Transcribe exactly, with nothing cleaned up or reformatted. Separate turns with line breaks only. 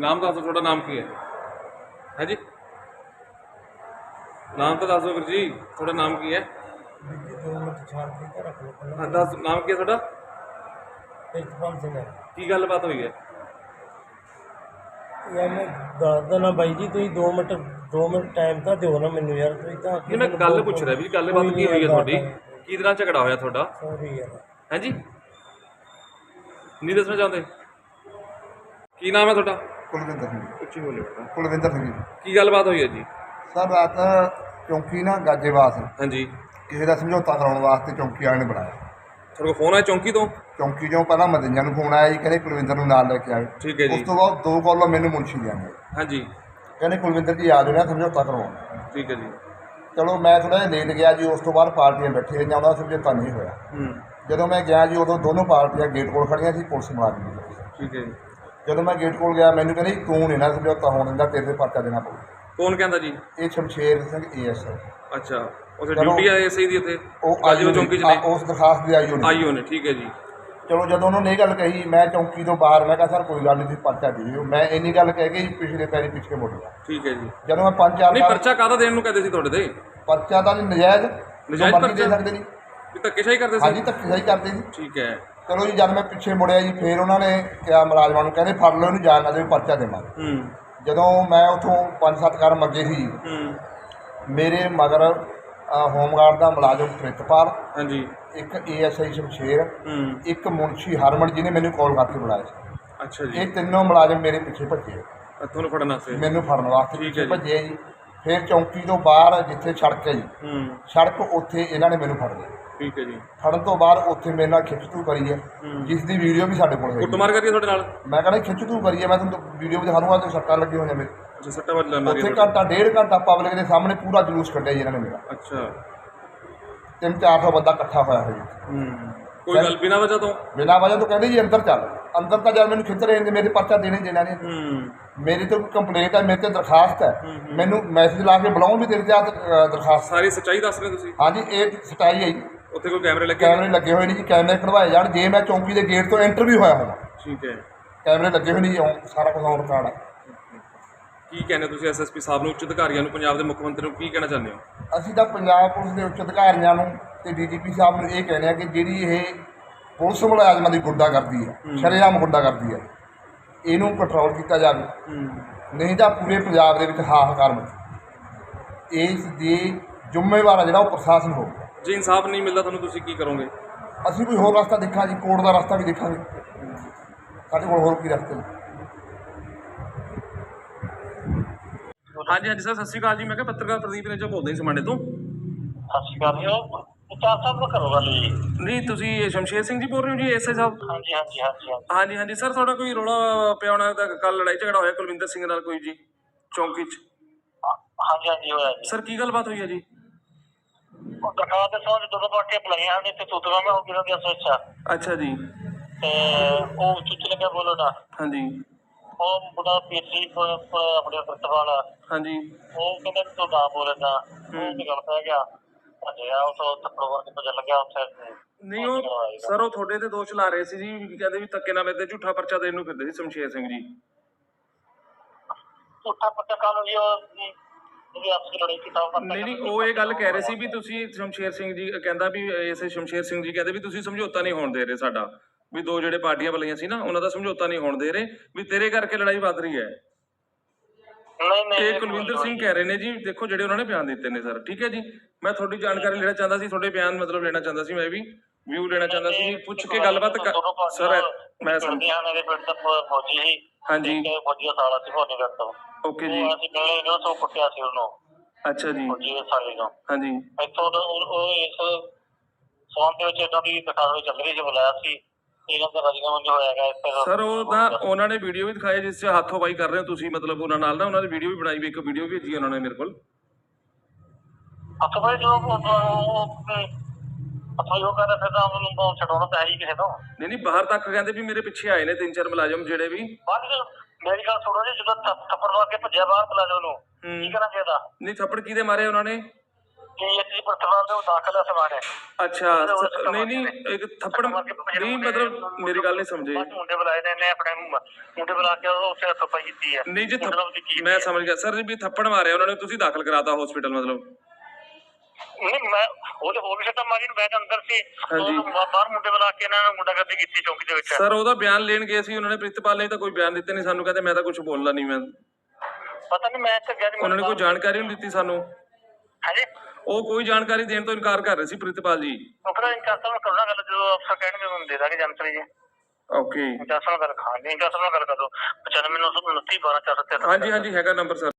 नाम दस दो, थोड़ा नाम की है है जी? नाम तो दस दो वीर जी, थोड़ा नाम की है? हाँ दस, नाम की है थोड़ा? की गलबात हुई है?
यार मैं दस देना बाई जी, तुम दो मिनट दो मिनट टाइम तो दो ना मैनू यार। तुम तो
नहीं मैं गल पुछ रहा भी गलबात की हुई है थोड़ी, की नाल झगड़ा होया थोड़ा?
सॉरी यार।
है जी? नहीं दसना चाहते? की नाम है थोड़ा?
ਕੁਲਵਿੰਦਰ ਸਿੰਘ
ਉੱਚੀ ਬੋਲੇ ਬੇਟਾ।
ਕੁਲਵਿੰਦਰ ਸਿੰਘ ਜੀ।
ਕੀ ਗੱਲਬਾਤ ਹੋਈ ਹੈ ਜੀ?
ਸਰ ਰਾਤ ਚੌਂਕੀ ਨਾ ਗਾਜੇਵਾਸ
ਹਾਂਜੀ।
ਕਿਸੇ ਦਾ ਸਮਝੌਤਾ ਕਰਾਉਣ ਵਾਸਤੇ ਚੌਂਕੀ ਵਾਲੇ ਨੇ ਬਣਾਇਆ।
ਤੁਹਾਡੇ ਕੋਲ ਫੋਨ ਆਇਆ ਚੌਂਕੀ ਤੋਂ?
ਚੌਂਕੀ ਚੋਂ ਪਹਿਲਾਂ ਮਦਈਆਂ ਨੂੰ ਫੋਨ ਆਇਆ ਜੀ, ਕਹਿੰਦੇ ਕੁਲਵਿੰਦਰ ਨੂੰ ਨਾਲ ਲੈ ਕੇ ਆਏ।
ਠੀਕ ਹੈ ਜੀ।
ਉਸ ਤੋਂ ਬਾਅਦ ਦੋ ਕਾਲਾਂ ਮੈਨੂੰ ਮੁਨਸ਼ੀ ਦੀਆਂ ਨੇ,
ਹਾਂਜੀ।
ਕਹਿੰਦੇ ਕੁਲਵਿੰਦਰ ਜੀ ਆ ਜਾਣਾ ਸਮਝੌਤਾ ਕਰਵਾਉਣ।
ਠੀਕ ਹੈ ਜੀ।
ਚਲੋ ਮੈਂ ਥੋੜ੍ਹਾ ਜਿਹਾ ਲੇਟ ਗਿਆ ਜੀ। ਉਸ ਤੋਂ ਬਾਅਦ ਪਾਰਟੀਆਂ ਬੈਠੇ ਰਹੀਆਂ, ਉਹਦਾ ਸਮਝੌਤਾ ਨਹੀਂ ਹੋਇਆ।
ਹੂੰ।
ਜਦੋਂ ਮੈਂ ਗਿਆ ਜੀ ਉਦੋਂ ਦੋਨੋਂ ਪਾਰਟੀਆਂ ਗੇਟ ਕੋਲ ਖੜੀਆਂ ਸੀ, ਪੁਲਿਸ ਮੁਲਾਜ਼ਮ ਜੀ।
ਠੀਕ ਹੈ ਜੀ।
ਜਦੋਂ ਮੈਂ ਗੇਟ ਕੋਲ ਗਿਆ ਮੈਨੂੰ ਕਹਿੰਦੇ ਤੂੰ ਨਹੀਂ ਨਾ ਸਮਝੌਤਾ ਹੋਣ ਦਿੰਦਾ, ਤੇਰੇ 'ਤੇ ਪਰਚਾ ਦੇਣਾ ਪਊ।
ਕੌਣ ਕਹਿੰਦਾ ਜੀ?
ਇਹ ਸ਼ਮਸ਼ੇਰ ਸਿੰਘ ਏ ਐਸ
ਅੱਛਾ, ਉੱਥੇ ਡਿਊਟੀ ਆਏ ਐਸਆਈ ਦੀ ਉੱਥੇ?
ਉਹ
ਅੱਜ ਉਹ ਚੌਂਕੀ 'ਚ ਨੇ?
ਉਸ ਦਰਖਾਸਤ ਦੇ ਆਈਓ ਨੇ।
ਆਈਓ ਨੇ, ਠੀਕ ਹੈ ਜੀ।
ਚਲੋ ਜਦੋਂ ਉਹਨਾਂ ਨੇ ਇਹ ਗੱਲ ਕਹੀ, ਮੈਂ ਚੌਂਕੀ ਤੋਂ ਬਾਹਰ, ਮੈਂ ਕਿਹਾ ਸਰ ਕੋਈ ਗੱਲ ਨਹੀਂ, ਤੁਸੀਂ ਪਰਚਾ ਦੇ ਦਿਓ। ਮੈਂ ਇੰਨੀ ਗੱਲ ਕਹਿ ਕੇ ਪਿਛਲੇ ਪੈਰੀ ਪਿੱਛੇ ਮੁੜ ਗਿਆ।
ਠੀਕ ਹੈ ਜੀ।
ਜਦੋਂ ਮੈਂ ਪੰਜ ਚਾਰ
ਨਹੀਂ ਪਰਚਾ ਕਾਹਦਾ ਦੇਣ ਨੂੰ ਕਹਿੰਦੇ ਸੀ ਤੁਹਾਡੇ ਤੇ?
ਪਰਚਾ ਤਾਂ ਨਹੀਂ, ਨਜਾਇਜ਼
ਨਜਾਇਜ਼
ਮਰਜ਼ੀ ਦੇ
ਪਰਚਾ?
ਸਕਦੇ ਨਹੀਂ।
ਵੀ ਧੱਕੇਸ਼ਾਹੀ ਕਰਦੇ ਸੀ?
ਹਾਂਜੀ ਧੱਕੇਸ਼ਾਹੀ ਕਰਦੇ ਜੀ।
ਠੀਕ ਹੈ।
ਚਲੋ ਜੀ ਜਦ ਮੈਂ ਪਿੱਛੇ ਮੁੜਿਆ ਜੀ, ਫੇਰ ਉਹਨਾਂ ਨੇ ਕਿਹਾ ਮੁਲਾਜ਼ਮਾਂ ਨੂੰ, ਕਹਿੰਦੇ ਫੜ ਲਓ ਇਹਨੂੰ, ਜਾਣ ਨਾ ਦਿਓ, ਪਰਚਾ ਦੇਵਾਂਗੇ।
ਹੂੰ
ਜਦੋਂ ਮੈਂ ਉੱਥੋਂ ਪੰਜ ਸੱਤ ਕਰਮ ਅੱਗੇ ਸੀ,
ਹੂੰ।
ਮੇਰੇ ਮਗਰ ਹੋਮਗਾਰਡ ਦਾ ਮੁਲਾਜ਼ਮ ਪ੍ਰਿਤਪਾਲ,
ਹਾਂਜੀ।
ਇੱਕ ਏ ਐਸ ਆਈ ਸ਼ਮਸ਼ੇਰ,
ਹੂੰ।
ਇੱਕ ਮੁਨਸ਼ੀ ਹਰਮਨ ਜਿਹਨੇ ਮੈਨੂੰ ਕਾਲ ਕਰਕੇ ਬੁਲਾਇਆ ਸੀ।
ਅੱਛਾ ਜੀ।
ਇਹ ਤਿੰਨੋਂ ਮੁਲਾਜ਼ਮ ਮੇਰੇ ਪਿੱਛੇ ਭੱਜੇ,
ਅ, ਤੁਹਾਨੂੰ ਫੜਨ ਵਾਸਤੇ?
ਮੈਨੂੰ ਫੜਨ ਵਾਸਤੇ
ਠੀਕ
ਪਿੱਛੇ
ਹੈ ਜੀ।
ਭੱਜੇ ਜੀ। ਫਿਰ ਚੌਂਕੀ ਤੋਂ ਬਾਹਰ ਜਿੱਥੇ ਸੜਕ ਹੈ ਜੀ,
ਹੂੰ।
ਸੜਕ ਉੱਥੇ ਇਹਨਾਂ ਨੇ ਮੈਨੂੰ ਫੜ ਲਿਆ।
ਠੀਕ ਹੈ ਜੀ।
ਫੜਨ ਤੋਂ ਬਾਅਦ ਉੱਥੇ ਮੇਰੇ ਨਾਲ ਖਿੱਚਤੂ ਕਰੀ ਹੈ,
ਹੂੰ।
ਜਿਸ ਦੀ ਵੀਡੀਓ ਵੀ ਸਾਡੇ ਕੋਲ ਹੈ।
ਕੁੱਟਮਾਰ ਕਰੀਏ ਤੁਹਾਡੇ ਨਾਲ?
ਮੈਂ ਕਹਿੰਦਾ ਖਿੱਚਤੂ ਕਰੀ ਹੈ, ਮੈਂ ਤੁਹਾਨੂੰ ਵੀਡੀਓ ਵੀ ਦਿਖਾਉਂਗਾ ਤੇ ਸੱਟਾਂ ਲੱਗੀਆਂ ਹੋਈਆਂ ਮੇਰੇ।
ਅੱਛਾ, ਸੱਟਾਂ ਵੱਜ ਲੈਣਾ
ਉੱਥੇ ਘੰਟਾ ਡੇਢ ਘੰਟਾ ਪਬਲਿਕ ਦੇ ਸਾਹਮਣੇ ਪੂਰਾ ਜਲੂਸ ਕੱਢਿਆ ਜੀ ਇਹਨਾਂ ਨੇ ਮੇਰਾ।
ਅੱਛਾ।
ਤਿੰਨ ਚਾਰ ਸੌ ਬੰਦਾ ਇਕੱਠਾ ਹੋਇਆ ਹੋਇਆ ਜੀ।
ਹੂੰ। ਕੋਈ ਗੱਲ ਬਿਨਾਂ ਵਜ੍ਹਾ ਤੋਂ?
ਬਿਨਾਂ ਵਜ੍ਹਾ ਤੋਂ ਕਹਿੰਦੇ ਜੀ ਅੰਦਰ ਚੱਲ। ਅੰਦਰ ਤਾਂ ਜਦ ਮੈਨੂੰ ਖਿੱਚ ਰਹੇ ਨੇ, ਮੇਰੇ ਪਰਚਾ ਦੇਣੇ ਦੇਣਾ ਨਹੀਂ।
ਹੂੰ।
ਮੇਰੀ ਤਾਂ ਕੰਪਲੇਂਟ ਹੈ, ਮੇਰੇ ਤੇ ਦਰਖਾਸਤ ਹੈ, ਮੈਨੂੰ ਮੈਸੇਜ ਲਾ ਕੇ ਬੁਲਾਉਣ ਵੀ ਤੇਰੇ ਤੇ ਆ ਦਰਖਾਸਤ।
ਸਾਰੀ ਸੱਚਾਈ ਦੱਸ ਰਹੇ ਤੁਸੀਂ?
ਹਾਂਜੀ ਇਹ ਸਟਾਈ ਹੈ ਜੀ।
ਉੱਥੇ ਕੋਈ ਕੈਮਰੇ ਲੱਗੇ?
ਕੈਮਰੇ ਲੱਗੇ ਹੋਏ ਨੇ ਜੀ, ਕੈਮਰੇ ਖੜਵਾਏ ਜਾਣ। ਜੇ ਮੈਂ ਚੌਂਕੀ ਦੇ ਗੇਟ ਤੋਂ ਐਂਟਰ ਵੀ ਹੋਇਆ ਹੋਵਾਂ,
ਠੀਕ ਹੈ।
ਕੈਮਰੇ ਲੱਗੇ ਹੋਏ ਨੇ ਜੀ, ਔਨ- ਸਾਰਾ ਕੁਝ ਔਨ ਰਿਕਾਰਡ ਹੈ।
ਕੀ ਕਹਿੰਦੇ ਤੁਸੀਂ ਐਸਐਸਪੀ ਸਾਹਿਬ ਨੂੰ, ਉੱਚ ਅਧਿਕਾਰੀਆਂ ਨੂੰ, ਪੰਜਾਬ ਦੇ ਮੁੱਖ ਮੰਤਰੀ ਨੂੰ ਕੀ ਕਹਿਣਾ ਚਾਹੁੰਦੇ ਹੋ?
ਅਸੀਂ ਤਾਂ ਪੰਜਾਬ ਪੁਲਿਸ ਦੇ ਉੱਚ ਅਧਿਕਾਰੀਆਂ ਨੂੰ ਤੇ ਡੀਜੀਪੀ ਸਾਹਿਬ ਨੂੰ ਇਹ ਕਹਿੰਦੇ ਆ ਕਿ ਜਿਹੜੀ ਇਹ ਪੁਲਿਸ ਮੁਲਾਜ਼ਮਾਂ ਦੀ ਗੁੰਡਾਗਰਦੀ ਹੈ, ਸ਼ਰੇਆਮ ਗੁੰਡਾਗਰਦੀ ਹੈ, ਇਹਨੂੰ ਕੰਟਰੋਲ ਕੀਤਾ ਜਾਵੇ। ਨਹੀਂ ਤਾਂ ਪੂਰੇ ਪੰਜਾਬ ਦੇ ਵਿੱਚ ਹਾਹਾਕਾਰ ਮਚੂ। ਇਸ ਦੀ ਜ਼ਿੰਮੇਵਾਰ ਜਿਹੜਾ ਉਹ ਪ੍ਰਸ਼ਾਸਨ ਹੋਊਗਾ।
ਜੇ ਇਨਸਾਫ ਨਹੀਂ ਮਿਲਦਾ ਤੁਹਾਨੂੰ, ਤੁਸੀਂ ਕੀ ਕਰੋਗੇ?
ਅਸੀਂ ਕੋਈ ਹੋਰ ਰਸਤਾ ਦੇਖਾਂ ਜੀ, ਕੋਰਟ ਦਾ ਰਸਤਾ ਵੀ ਦੇਖਾਂਗੇ। ਸਾਡੇ ਕੋਲ ਹੋਰ ਕੀ ਰਸਤੇ ਨੇ।
ਹਾਂਜੀ ਹਾਂਜੀ ਸਰ, ਸਤਿ ਸ਼੍ਰੀ ਅਕਾਲ ਜੀ। ਮੈਂ ਕਿਹਾ ਪੱਤਰਕਾਰ ਪ੍ਰਦੀਪ ਨੇਜਾ ਬੋਲਦਾ ਜੀ ਸਮਾਣੇ ਤੋਂ।
ਸਤਿ ਸ਼੍ਰੀ ਅਕਾਲ ਜੀ। ਉਹ ਉਚਾਰ ਸਾਹਿਬ ਨਾਲ ਕਰੋ ਗੱਲ ਜੀ।
ਨਹੀਂ ਤੁਸੀਂ ਸ਼ਮਸ਼ੇਰ ਸਿੰਘ ਜੀ ਬੋਲ ਰਹੇ ਹੋ ਜੀ, ਐਸਆਈ ਸਾਹਿਬ?
ਹਾਂਜੀ ਹਾਂਜੀ ਹਾਂਜੀ ਹਾਂਜੀ
ਹਾਂਜੀ ਹਾਂਜੀ ਸਰ, ਤੁਹਾਡਾ ਕੋਈ ਰੌਲਾ ਪਿਆ ਹੋਣਾ ਤਾਂ ਕੱਲ ਲੜਾਈ ਝਗੜਾ ਹੋਇਆ ਕੁਲਵਿੰਦਰ ਸਿੰਘ ਨਾਲ ਕੋਈ ਜੀ ਚੌਂਕੀ 'ਚ?
ਹਾਂਜੀ ਹਾਂਜੀ ਹੋਇਆ ਜੀ।
ਸਰ ਕੀ ਗੱਲਬਾਤ ਹੋਈ ਹੈ ਜੀ?
ਉਹ ਦਰਖਾਸਤ ਦੇ ਸੌਂ ਜਦੋਂ ਪਾਰਟੀਆਂ ਬੁਲਾਈਆਂ ਹਨ ਤੇ ਤੂਤਵਾ ਮੈਂ ਹੋ ਗਿਆ ਦੀ ਸੋਚਾ
ਅੱਛਾ ਜੀ।
ਤੇ ਉਹ ਚੁੱਚ ਲੱਗਿਆ ਬੋਲੋ ਨਾ।
ਹਾਂਜੀ
ਉਹ ਮੁੰਡਾ ਪੀਸੀ ਆਪਣੇ ਪ੍ਰਿਤਪਾਲ,
ਹਾਂਜੀ।
ਉਹ ਕਹਿੰਦਾ ਤੂੰ ਨਾ ਬੋਲਦਾ, ਉਹ ਤੇ ਗੱਲ ਪੈ ਗਿਆ। ਭੱਜਿਆ ਉਹ ਤੋਂ ਥੱਪੜ ਵਰ ਕੇ ਭੱਜਣ ਲੱਗਿਆ ਉੱਥੇ।
ਨਹੀਂ ਉਹ ਸਰ ਉਹ ਤੁਹਾਡੇ ਤੇ ਦੋਸ਼ ਲਾ ਰਹੇ ਸੀ ਜੀ, ਕਹਿੰਦੇ ਵੀ ਧੱਕੇ ਨਾਲ ਮੇਰੇ ਤੇ ਝੂਠਾ ਪਰਚਾ ਦੇਣ ਨੂੰ ਫਿਰਦੇ ਸੀ ਸ਼ਮਸ਼ੇਰ ਸਿੰਘ ਜੀ।
ਝੂਠਾ ਪਰਚਾ ਕਾਨੂੰ ਜੀ ਉਹ ਉਹਦੀ ਆਪਸੀ ਲੜਾਈ ਕੀਤਾ।
ਨਹੀਂ ਨਹੀਂ ਉਹ ਇਹ ਗੱਲ ਕਹਿ ਰਹੇ ਸੀ ਵੀ ਤੁਸੀਂ ਸ਼ਮਸ਼ੇਰ ਸਿੰਘ ਜੀ ਕਹਿੰਦਾ ਵੀ ਇਸੇ ਸ਼ਮਸ਼ੇਰ ਸਿੰਘ ਜੀ ਕਹਿੰਦੇ ਵੀ ਤੁਸੀਂ ਸਮਝੌਤਾ ਨਹੀਂ ਹੋਣ ਦੇ ਰਹੇ ਸਾਡਾ, ਵੀ ਦੋ ਜਿਹੜੇ ਪਾਰਟੀਆਂ ਬੁਲਾਈਆਂ ਸੀ ਨਾ ਉਹਨਾਂ ਦਾ ਸਮਝੌਤਾ ਨਹੀਂ ਹੋਣ ਦੇ ਰਹੇ, ਵੀ ਤੇਰੇ ਕਰਕੇ ਲੜਾਈ ਵੱਧ ਰਹੀ ਹੈ।
ਨਹੀਂ ਨਹੀਂ
ਇਹ ਕੁਲਵਿੰਦਰ ਸਿੰਘ ਕਹਿ ਰਹੇ ਨੇ ਜੀ, ਦੇਖੋ ਜਿਹੜੇ ਉਹਨਾਂ ਨੇ ਬਿਆਨ ਦਿੱਤੇ ਨੇ ਸਰ। ਠੀਕ ਹੈ ਜੀ, ਮੈਂ ਤੁਹਾਡੀ ਜਾਣਕਾਰੀ ਲੈਣਾ ਚਾਹੁੰਦਾ ਸੀ, ਤੁਹਾਡੇ ਬਿਆਨ ਮਤਲਬ ਲੈਣਾ ਚਾਹੁੰਦਾ ਸੀ, ਮੈਂ ਵੀ ਵਿਊ ਲੈਣਾ ਚਾਹੁੰਦਾ ਸੀ, ਪੁੱਛ ਕੇ ਗੱਲਬਾਤ ਸਰ। ਮੈਂ
ਮੇਰੇ ਪਿੰਡ ਦਾ ਫੌਜੀ ਸੀ।
ਹਾਂਜੀ
ਫੌਜੀ ਦਾ ਸਾਲਾ ਸੀ ਫੌਜੀ ਕਰਤਾ।
ਓਕੇ ਜੀ।
ਅਸੀਂ ਮਿਲੇ ਨੇ ਉਹ ਕੁੱਟਿਆ ਸੀ ਉਹਨੂੰ।
ਅੱਛਾ ਜੀ।
ਫੌਜੀ ਦੇ ਸਾਲੇ ਨੂੰ।
ਹਾਂਜੀ।
ਇੱਥੋਂ ਉਹ ਇਸ ਸੌਣ ਦੇ ਵਿੱਚ ਇਹਨਾਂ ਦੀ ਦਿਖਾਵੇ ਚੱਲ ਰਹੀ ਸੀ, ਬੁਲਾਇਆ ਸੀ ਇਹਨਾਂ ਦਾ ਰਾਜੀਨਾਮਾ ਹੋਇਆ ਹੈਗਾ
ਸਰ। ਉਹ ਤਾਂ ਉਹਨਾਂ ਨੇ ਵੀਡੀਓ ਵੀ ਦਿਖਾਈ ਜਿਸ 'ਚ ਹੱਥੋਂ ਬਾਈ ਕਰ ਰਹੇ ਹੋ ਤੁਸੀਂ, ਮਤਲਬ ਉਹਨਾਂ ਨਾਲ ਨਾ ਉਹਨਾਂ ਦੀ ਵੀਡੀਓ ਵੀ ਬਣਾਈ ਵੀ, ਇੱਕ ਵੀਡੀਓ ਵੀ ਭੇਜੀ ਉਹਨਾਂ ਨੇ ਮੇਰੇ ਕੋਲ।
ਹੱਥੋਂ ਬਾਈ ਜੋ ਹੱਥੋਂ ਜੋ ਕਹਿੰਦਾ ਫਿਰ ਤਾਂ ਉਹਨੂੰ ਛਡਾਉਣਾ ਪੈ ਹੀ ਕਿਸੇ ਤੋਂ।
ਨਹੀਂ ਨਹੀਂ ਬਾਹਰ ਤੱਕ ਕਹਿੰਦੇ ਵੀ ਮੇਰੇ ਪਿੱਛੇ ਆਏ ਨੇ ਤਿੰਨ ਚਾਰ ਮੁਲਾਜ਼ਮ ਜਿਹੜੇ ਵੀ।
ਬਾਅਦ ਮੇਰੀ ਗੱਲ ਸੁਣੋ ਜੀ, ਜਦੋਂ ਥੱਪੜ ਮਾਰ ਕੇ ਭੱਜਿਆ ਬਾਹਰ ਮੁਲਾਜ਼ਮ ਨੂੰ, ਕੀ ਕਰਨਾ ਚਾਹੀਦਾ?
ਨਹੀਂ ਥੱਪੜ ਕਿਹਦੇ ਮਾਰੇ ਉਹਨਾਂ ਨੇ?
ਪੀਐਚਡੀ ਪ੍ਰਤਿਭਾ ਦੇ ਉਹ ਦਾਖਲ ਹੈ ਸਮਾਨ ਹੈ
ਅੱਛਾ ਸ- ਨਹੀਂ ਨਹੀਂ ਇੱਕ ਥੱਪੜ ਨਹੀਂ ਮਤਲਬ ਮੇਰੀ ਗੱਲ ਨਹੀਂ ਸਮਝੇ।
ਮੁੰਡੇ ਬੁਲਾਏ ਨੇ ਇਹਨੇ ਆਪਣੇ ਮੁੰਡੇ ਬੁਲਾ ਕੇ ਉਹ ਉੱਥੇ ਹੱਥੋਂ ਕੀਤੀ ਹੈ
ਨਹੀਂ ਜੀ
ਮੁੰਡੇ ਨਾਲ ਉਹਦੀ
ਥੱਪ-
ਕੀਤੀ
ਮੈਂ
ਹੈ।
ਸਮਝ ਗਿਆ ਸਰ ਜੀ ਵੀ ਥੱਪੜ ਮਾਰਿਆ ਉਹਨਾਂ ਨੇ ਤੁਸੀਂ ਦਾਖਲ ਕਰਾਤਾ ਹਸਪੀਟਲ ਮਤਲਬ।
ਨਹੀਂ ਮੈਂ ਉਹਦੇ ਹੋਰ ਵੀ ਸੱਟਾਂ ਮਾਰੀ ਨੂੰ ਮੈਂ ਤਾਂ ਅੰਦਰ ਸੀ
ਹਾਂਜੀ।
ਉਹ ਬਾਹਰ ਮੁੰਡੇ ਬੁਲਾ ਕੇ ਇਹਨਾਂ ਨੇ ਗੁੰਡਾਗਰਦੀ ਕੀਤੀ ਚੌਂਕੀ ਦੇ ਵਿੱਚ।
ਸਰ ਉਹਦਾ ਬਿਆਨ ਲੈਣ ਗਏ ਸੀ ਉਹਨਾਂ ਨੇ ਪ੍ਰਿਤਪਾਲ ਨੇ ਤਾਂ ਕੋਈ ਬਿਆਨ ਦਿੱਤੇ ਨਹੀਂ ਸਾਨੂੰ ਕਹਿੰਦੇ ਮੈਂ ਤਾਂ ਕੁਝ ਬੋਲਣਾ ਨਹੀਂ ਮੈਂ
ਪਤਾ ਨਹੀਂ ਮੈਂ ਤਾਂ ਗਿਆ ਨੀ
ਉਹਨਾਂ ਨੇ ਕੋਈ ਜਾਣਕਾਰੀ ਨਹੀਂ ਦਿੱਤੀ ਸਾਨੂੰ।
ਹਾਂਜੀ
ਉਹ ਕੋਈ ਜਾਣਕਾਰੀ ਦੇਣ ਤੋਂ ਇਨਕਾਰ ਕਰ ਰਹੇ ਸੀ ਪ੍ਰਿਤਪਾਲ ਜੀ।
ਉਹ ਕਹਿੰਦਾ ਇਨਕਾਰ ਸਾਹਿਬ ਕਰਨਾ ਗੱਲ ਜਦੋਂ ਅਫਸਰ ਕਹਿਣਗੇ ਉਹਨੂੰ ਦੇ ਦਾਂਗੇ ਜਾਣਕਾਰੀ ਜੀ।
ਓਕੇ
ਇਨਕਾਰ ਸਾਹਿਬ ਨਾਲ ਗੱਲ ਖਾਣ ਦੀ ਇਨਕਾਰ ਸਾਹਿਬ ਨਾਲ ਗੱਲ ਕਰ ਦੋ ਪਚਾਨਵੇਂ ਨੌ ਸੌ ਉਨੱਤੀ ਬਾਰਾਂ ਚਾਰ ਸੌ ਤਿਹੱਤਰ।
ਹਾਂਜੀ ਹਾਂਜੀ ਹੈਗਾ ਨੰਬਰ ਸਰ।